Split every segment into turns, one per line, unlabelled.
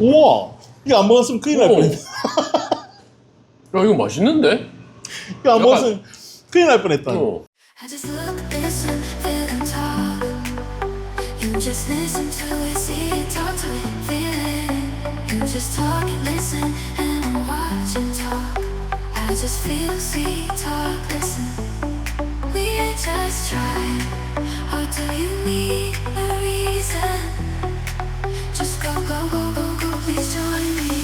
우와, 이거 안 먹었으면 큰일 날
오.
뻔했네.
야 이거 맛있는데?
이거 안
약간-
먹었으면 큰일 날 뻔했다.
I just look, listen, feel and talk. You just listen to it, see it, talk to it, feel it. You just talk and listen and watch and talk. I just feel, see, talk, listen. We ain't just trying. Or do you need a reason? Just go, go, go, go, go, please join me.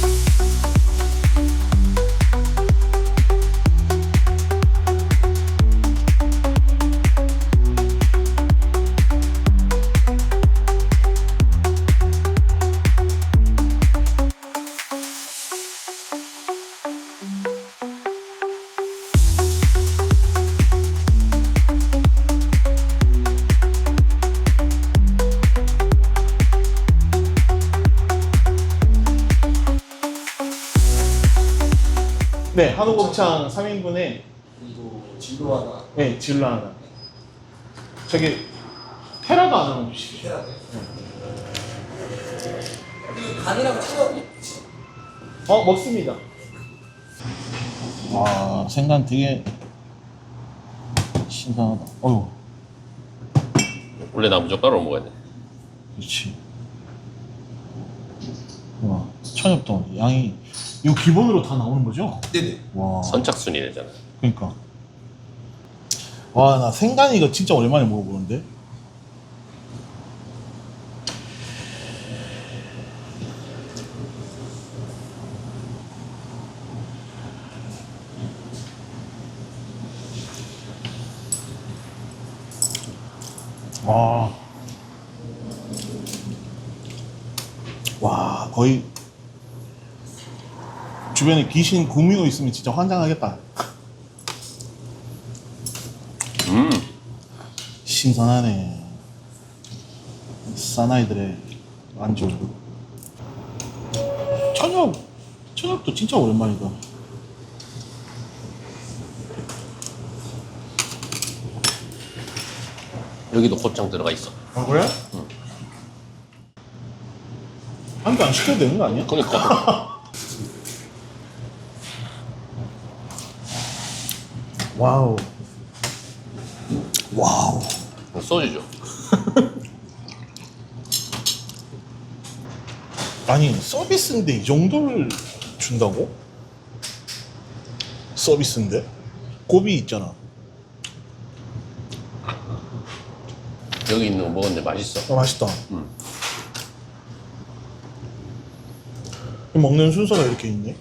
네, 한우 곱창 3인분에
그리고 진로 하나.
네, 질러 하나. 저기 테라도 하나 주십시오.
해야 돼. 그리고 간이랑 청양이
먹습니다. 와, 생간 되게 신선하다. 어휴,
원래 나무젓가락으로 먹어야 돼.
그렇지. 와, 천엽도 양이 이거 기본으로 다 나오는 거죠?
네네.
와,
선착순이 되잖아.
그러니까. 와, 나 생간 이거 진짜 오랜만에 먹어보는데. 와. 와, 거의 주변에 귀신 구미호 있으면 진짜 환장하겠다. 신선하네. 사나이들의 안주. 천엽도 진짜 오랜만이다.
여기도 곱창 들어가 있어.
아, 그래? 응. 한 개 안 시켜도 되는 거 아니야?
그러니까.
와우. 와우.
소주죠.
아니, 서비스인데 이 정도를 준다고? 서비스인데? 고비 있잖아.
여기 있는 거 먹었는데 맛있어.
맛있다. 먹는 순서가 이렇게 있네.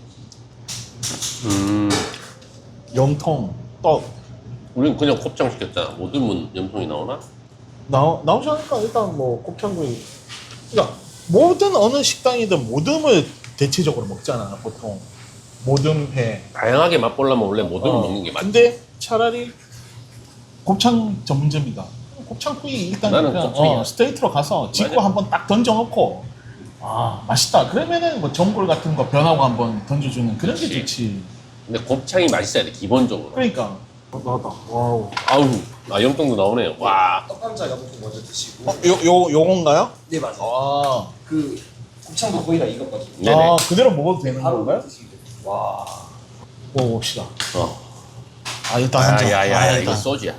염통, 떡.
우린 그냥 곱창 시켰잖아. 못 들면 염통이 나오나?
나오지 않을까? 일단 뭐 곱창구이. 그러니까 모든 어느 식당이든 모듬을 대체적으로 먹잖아, 보통. 모듬회.
다양하게 맛보려면 원래 모듬을 먹는 게 맞지.
근데 차라리 곱창 전문점이다. 곱창구이 일단
나는
그냥
곱창이야.
스트레이트로 가서 찍고
맞아.
한번 딱 던져놓고 맛있다. 그러면은 뭐 전골 같은 거 변하고 한번 던져주는 그런 게
그치.
좋지.
근데 곱창이 맛있어야 돼, 기본적으로.
그러니까. 나다. 와우.
아우, 염통도 나오네요. 와.
떡감자 보통 먼저 드시고.
요건가요?
네 맞아요.
아.
그 곱창도 거의 다 익었거든요.
네네.
그대로 먹어도 되는
바로
건가요?
드시면 돼요. 와.
먹어봅시다.
어.
일단 한 잔.
야야야, 이거
일단.
소주야.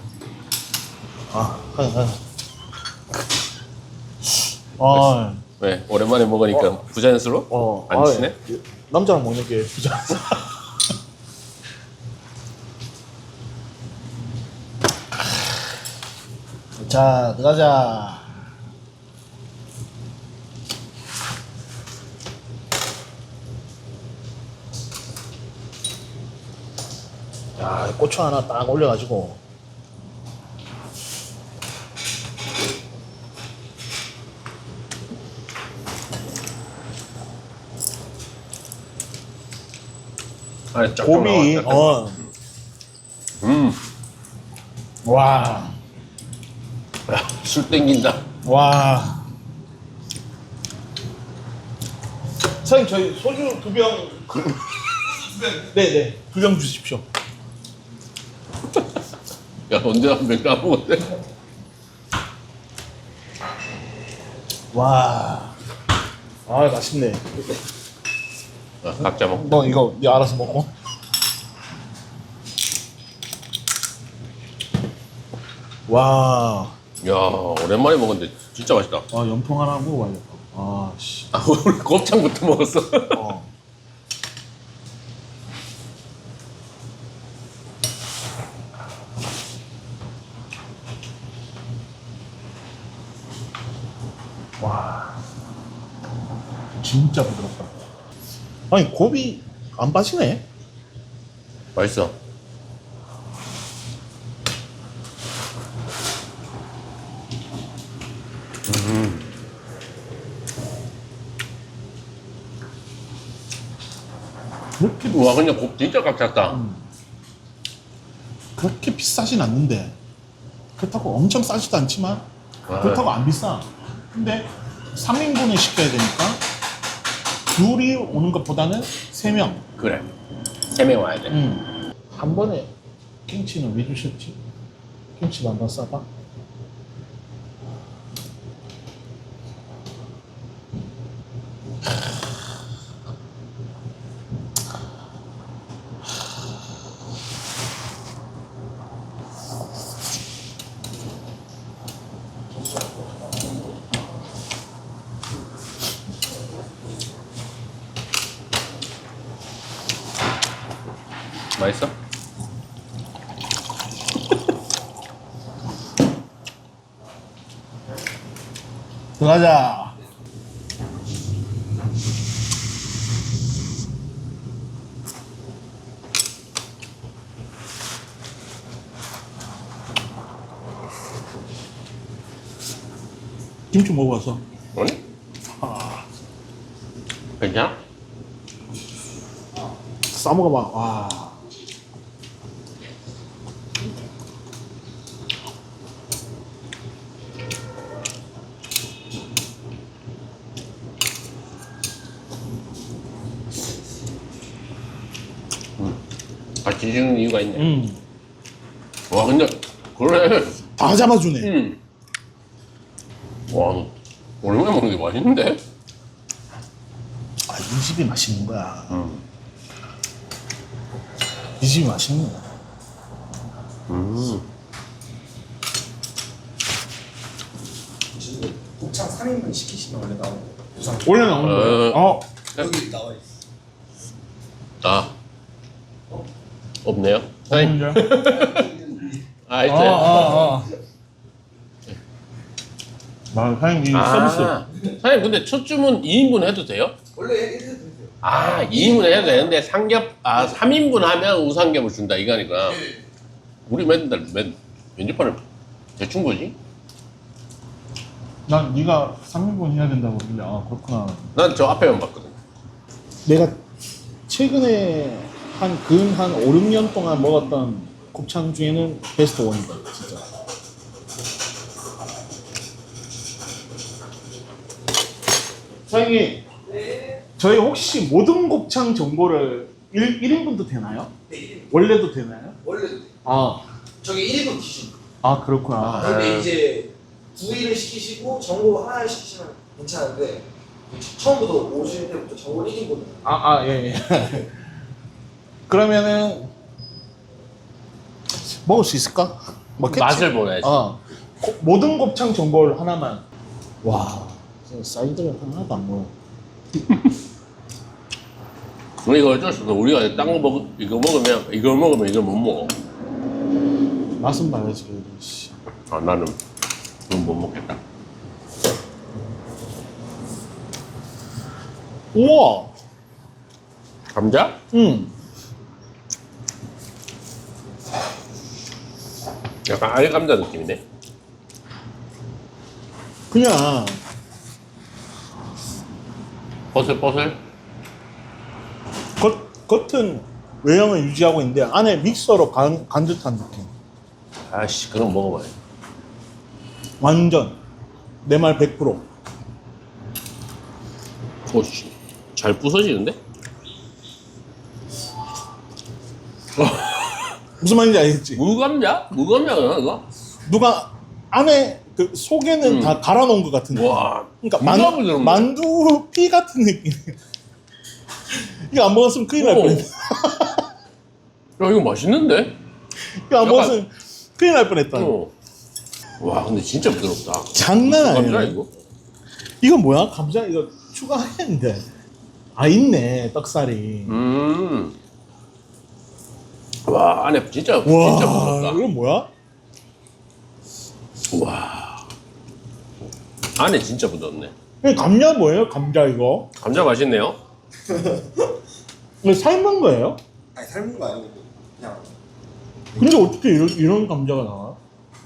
한.
왜? 오랜만에 먹으니까 부자연스러워? 안 치네?
남자랑 먹는 게 부자. 자, 들어가자. 야, 고추 하나 딱 올려가지고.
아니, 쫙쫙
고비,
나와.
와,
술 땡긴다.
와. 사장님, 저희 소주 2병. 네네, 2병 주십시오.
야, 언제 한병 까먹었대?
와. 아 맛있네.
각자 먹.
너 이거 네 알아서 먹고. 와,
야 오랜만에 먹었는데 진짜 맛있다.
아 연풍 하나 먹어봐야겠다. 아 씨.
아 우리 곱창부터 먹었어.
어. 와, 진짜 부드럽다. 아니 곱이 안 빠지네.
맛있어.
그렇게
와 근데 곱 진짜 꽉 찼다.
그렇게 비싸진 않는데 그렇다고 엄청 싸지도 않지만 그렇다고 안 비싸. 근데 3인분을 시켜야 되니까 둘이 오는 것보다는 3명.
그래. 3명 와야 돼.
한 번에 김치는 왜 주셨지? 김치도 한번 싸봐.
맛있어?
들어가자. 김치 먹어봤어?
아니? 괜찮아?
싸먹어봐. 와.
같이 지는 이유가 있네. 와 근데 그래.
다 잡아주네.
와 너 오랜만에 먹는 게 맛있는데?
아, 이 집이 맛있는 거야. 이 집이 맛있는 거야.
지금 곱창 3인분 시키시면 원래 나오는 거. 부산
원래 나오는 거야. 어.
여기 나와 있어.
아 없네요. 사장님. 아 있어요.
사장님 이 서비스.
사장님 근데 첫 주문 2인분 해도 돼요?
원래 이래도 되세요.
아 2인분 해도 되는데 삼겹 3인분 하면 우삼겹을 준다 이거니까. 우리 맨날 면접판을 대충 보지?
난 네가 3인분 해야 된다고 그러길래 아 그렇구나.
난 저 앞에만 봤거든.
내가 최근에 한 5, 6년 동안 먹었던 곱창 중에는 베스트 원이다 진짜. 사장님, 저희 혹시 모든 곱창 정보를 1인분도 되나요?
네,
원래도 되나요?
원래도 돼.
아,
저게 1인분 기준.
그렇구나.
근데 이제 구이를 시키시고 전골 하나 시키시면 괜찮은데 처음부터 오실 때부터 전골 1인분.
예. 그러면은 먹을 수 있을까? 먹겠지?
맛을 보내야지.
모든 곱창 전골 하나만. 와, 사이드를 하나도 안 먹어.
우리가 어쩔 수 없어. 우리가 딴 거 이거 먹으면 이걸 못 먹어.
맛은 봐야지. 그래도, 씨.
아 나는 그건 못 먹겠다.
우와.
감자? 약간 알감자 느낌이네.
그냥
버슬버슬.
겉은 외형을 유지하고 있는데 안에 믹서로 간 듯한 느낌.
아씨 그럼 먹어봐요.
완전 내 말 100%.
오씨 잘 부서지는데?
무슨 말인지 알겠지?
무감자? 무감자가 이거?
누가 안에 그 속에는 다 갈아 놓은 것 같은 거.
와.
그러니까
누가 부드럽네.
만두 피 같은 느낌. 이거 안 먹었으면 큰일 날
오.
뻔했다.
야, 이거 맛있는데?
이거 안
약간-
먹었으면 큰일 날 뻔했다.
어. 와, 근데 진짜 부드럽다.
장난
감자
아니야.
이거?
이거 뭐야? 감자 이거 추가했는데. 아 있네 떡살이.
와, 안에 진짜
와
부드럽다.
이건 뭐야?
와. 안에 진짜 부드럽네.
이거 감자 뭐예요? 감자 이거?
감자 맛있네요.
이거 삶은 거예요?
아니 삶은 거 아니고 그냥
근데 어떻게 이런 감자가 나와?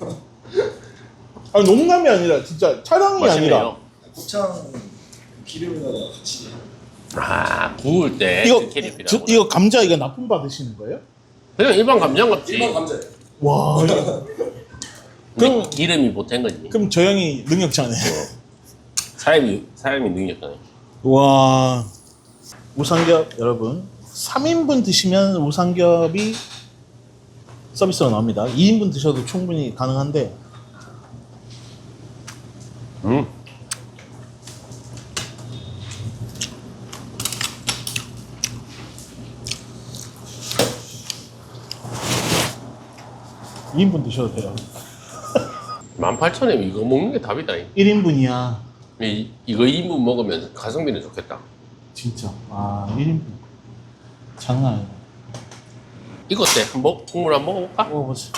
아니 농담이 아니라 진짜 촬영이 아니라
맛있네요.
곱창 기름에다가 같이
아, 구울 때
이거
캐리피라고.
이거 감자 이거 납품 받으시는 거예요?
그냥 일반 감자 같지.
일반 감자예요.
와 이거-
그럼 기름이 보탠 거지.
그럼 저 형이 능력자네.
사람이 능력자네.
와 우삼겹 여러분 3인분 드시면 우삼겹이 서비스로 나옵니다. 2인분 드셔도 충분히 가능한데
음.
이 2인분 드셔도 돼요.
18,000원 이거 먹는 게 답이다.
1인분이야.
이거 2인분 먹으면 가성비는 좋겠다.
진짜. 아 1인분 장난 아니야.
이거 어때? 한번 국물 한번 먹어볼까?
먹어보자.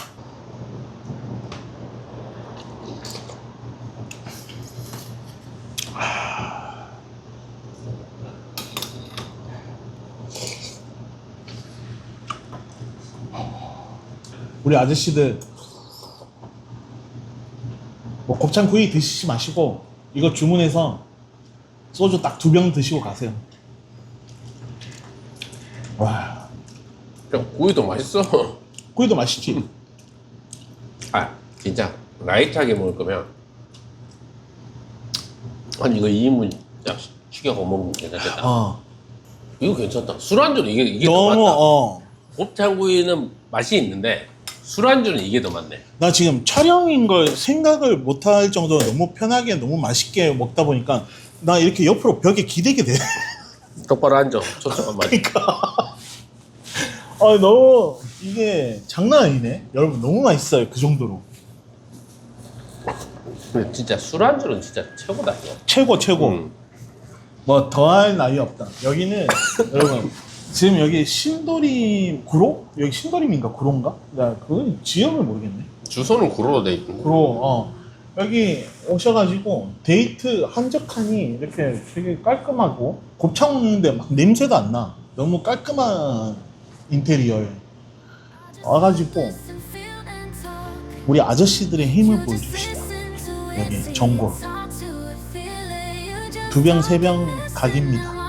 우리 아저씨들 뭐 곱창구이 드시지 마시고 이거 주문해서 소주 딱 2병 드시고 가세요. 와
그냥 구이도 맛있어.
구이도 맛있지?
아, 진짜 라이트하게 먹을 거면 아니 이거 2인분 딱 시켜서 먹으면 괜찮겠다.
어
이거 괜찮다. 술안주는 이게 더
너무
맞다. 곱창구이는 맛이 있는데 술안주는 이게 더 맞네.
나 지금 촬영인 걸 생각을 못 할 정도로 너무 편하게 너무 맛있게 먹다 보니까 나 이렇게 옆으로 벽에 기대게 돼.
똑바로 앉아. 초점 안 맞아.
그러니까 아 너무 이게 장난 아니네. 여러분 너무 맛있어요 그 정도로.
근데 진짜 술안주는 진짜 최고다 이거.
최고 최고.
음.
뭐 더할 나위 없다. 여기는 여러분 지금 여기 신도림 구로? 여기 신도림인가 구로인가? 나 그건 지역을 모르겠네.
주소는 구로로 돼 있고.
구로 여기 오셔가지고 데이트 한적하니 이렇게 되게 깔끔하고 곱창 먹는데 막 냄새도 안 나. 너무 깔끔한 인테리어에 와가지고 우리 아저씨들의 힘을 보여줍시다. 여기 전골 2병 3병 각입니다.